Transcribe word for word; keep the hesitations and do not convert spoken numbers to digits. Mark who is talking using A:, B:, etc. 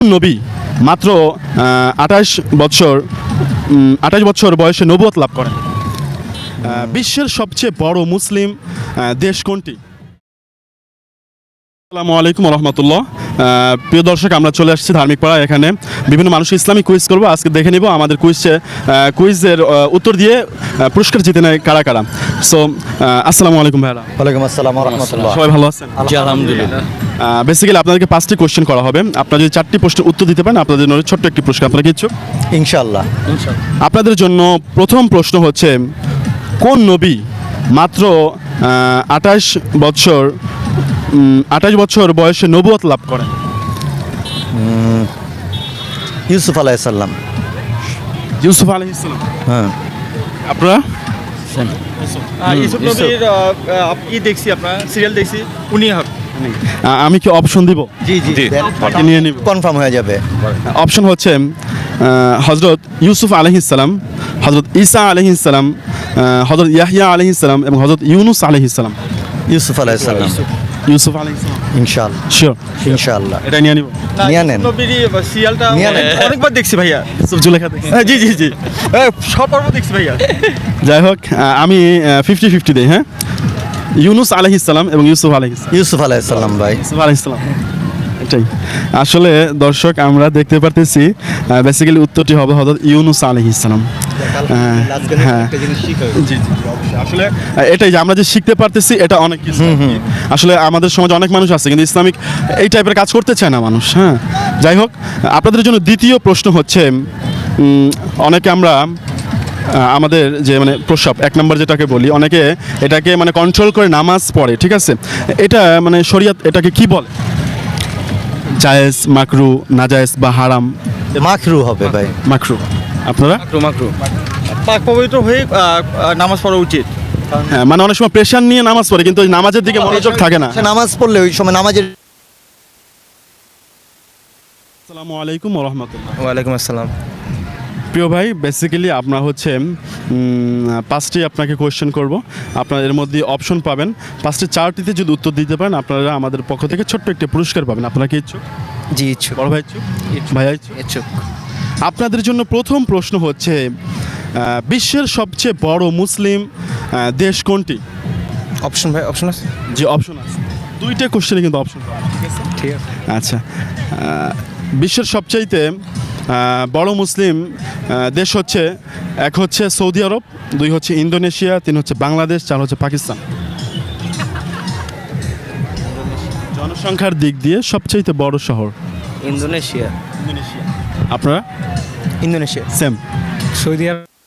A: নবী মাত্র আঠাশ বছর আঠাশ বছর বয়সে নবুয়ত লাভ করেন? আহ, বিশ্বের সবচেয়ে বড় মুসলিম আহ, দেশ কোনটি? আসসালামু আলাইকুম রহমতুল্লাহ। প্রিয় দর্শক, আমরা চলে আসছি ধার্মিক পাড়া। এখানে বিভিন্ন মানুষ ইসলামিক কুইজ করবো। আজকে দেখে নিব আমাদের কুইজে কুইজের উত্তর দিয়ে আহ, পুরস্কার জিতে নেয় কারা কারা। সো আসসালামু আলাইকুম ভাইরা।
B: ওয়ালাইকুম আসসালাম ওয়া রাহমাতুল্লাহ।
A: সবাই ভালো আছেন?
B: জি আলহামদুলিল্লাহ।
A: বেসিক্যালি আপনাদেরকে পাঁচটি কোশ্চেন করা হবে। আপনারা যদি চারটি প্রশ্নের উত্তর দিতে পারেন আপনাদের জন্য ছোট্ট একটি পুরস্কার। আপনারা কি ইচ্ছুক?
B: ইনশাআল্লাহ।
A: আপনাদের জন্য প্রথম প্রশ্ন হচ্ছে, কোন নবী মাত্র আঠাশ বছর আঠাশ বছর বয়সে নবুয়ত লাভ করেন?
B: ইউসুফ আলাইহিস সালাম।
A: ইউসুফ আলাইহিস সালাম।
B: হ্যাঁ।
A: আপনারা?
C: ইউসুফ নবীর ই দেখছি, আপনার সিরিয়াল দেখছি, উনি হক।
A: আহ, আমি কি অপশন দিব?
B: জি জি
A: বাকি নিয়ে নিব।
B: কনফার্ম হয়ে যাবে।
A: অপশন হচ্ছে হজরত ইউসুফ আলাইহিস সালাম, হজরত ঈসা আলাইহিস সালাম, হজরত ইয়াহইয়া আলাইহিস সালাম এবং হজরত ইউনুস আলাইহিস সালাম।
B: ইউসুফ আলাইহিস সালাম।
A: ইউসুফ আলাইহিস সালাম।
B: ইনশাআল্লাহ।
A: শিওর?
B: ইনশাআল্লাহ।
A: এটা নিয়ে নিব।
B: নিয়ে নেন।
C: ইউসুফ নবীর সিরিয়ালটা
B: নিয়ে নেন।
C: অনেকবার দেখছি ভাইয়া।
A: ইউসুফ জুলেখা দেখি।
C: হ্যাঁ, জি জি জি এ, সব পর্ব দেখছি ভাইয়া।
A: যাই হোক, আহ, আমি ফিফটি ফিফটি দিই। হ্যাঁ, ইউনুস আলাইহিস সালাম এবং ইউসুফ আলাইহিস সালাম।
B: ইউসুফ আলাইহিস সালাম ভাই।
A: ইউসুফ আলাইহিস সালাম। এটাই আসলে দর্শক আমরা দেখতে পারতেছি, বেসিক্যালি উত্তরটি হবে হযরত ইউনুস আলাইহিস সালাম। হ্যাঁ, জি জি অবশ্যই। আসলে আহ, এটাই যে আমরা যে শিখতে পারতেছি এটা অনেক কিছু। আসলে আমাদের সমাজে অনেক মানুষ আছে কিন্তু ইসলামিক এই টাইপের কাজ করতে চায় না মানুষ। হ্যাঁ, যাই হোক, আপনাদের জন্য দ্বিতীয় প্রশ্ন হচ্ছে, উম, অনেকে আমরা আহ, আমাদের যে মানে প্রস্রাব এক নম্বর যেটাকে বলি, অনেকে এটাকে মানে কন্ট্রোল করে নামাজ পড়ে, ঠিক আছে? এটা মানে শরিয়ত এটাকে কি বলে? জায়েজ, মাকরু, নাজায়েজ বা হারাম?
B: মাকরু হবে ভাই।
A: মাকরু। আপনারা?
C: মাকরু মাকরু পাক পবিত্র হয়ে আহ, আহ, নামাজ পড়া উচিত।
A: হ্যাঁ, মানে অনেক সময় প্রেশার নিয়ে নামাজ পড়ে কিন্তু ওই নামাজের দিকে মনোযোগ থাকে না।
B: সে নামাজ পড়লে ওই সময় নামাজের
A: আসসালামু আলাইকুম ওয়া রাহমাতুল্লাহ।
C: ওয়ালাইকুম আসসালাম।
A: প্রিয় ভাই, বেসিক্যালি আপনার হচ্ছে উম, পাঁচটি আপনাকে কোয়েশ্চেন করব। আপনার এর মধ্যে অপশন পাবেন। পাঁচটি চারটিতে যদি উত্তর দিতে পারেন আপনারা আমাদের পক্ষ থেকে ছোট্ট একটি পুরস্কার পাবেন। আপনারা কি ইচ্ছুক?
B: জি ইচ্ছুক।
A: বড় ভাই ইচ্ছুক? ভাইয়া ইচ্ছুক?
B: ইচ্ছুক।
A: আপনাদের জন্য প্রথম প্রশ্ন হচ্ছে, আহ, বিশ্বের সবচেয়ে বড় মুসলিম আহ, দেশ কোনটি?
C: অপশন ভাই, অপশন আছে?
A: যে অপশন আছে দুইটা কোশ্চেনে কিন্তু অপশন পাবেন, ঠিক আছে?
C: ঠিক আছে।
A: আচ্ছা, আহ, বিশ্বের সবচাইতে আহ, বড় মুসলিম আহ, দেশ হচ্ছে, এক হচ্ছে সৌদি আরব, দুই হচ্ছে ইন্দোনেশিয়া, তিন হচ্ছে বাংলাদেশ, চার হচ্ছে পাকিস্তান। জনসংখ্যার দিক দিয়ে সবচাইতে বড় শহর?
C: ইন্দোনেশিয়া।
A: ইন্দোনেশিয়া। আপনারা?
B: ইন্দোনেশিয়া।
A: সেম।
C: সৌদি আরব।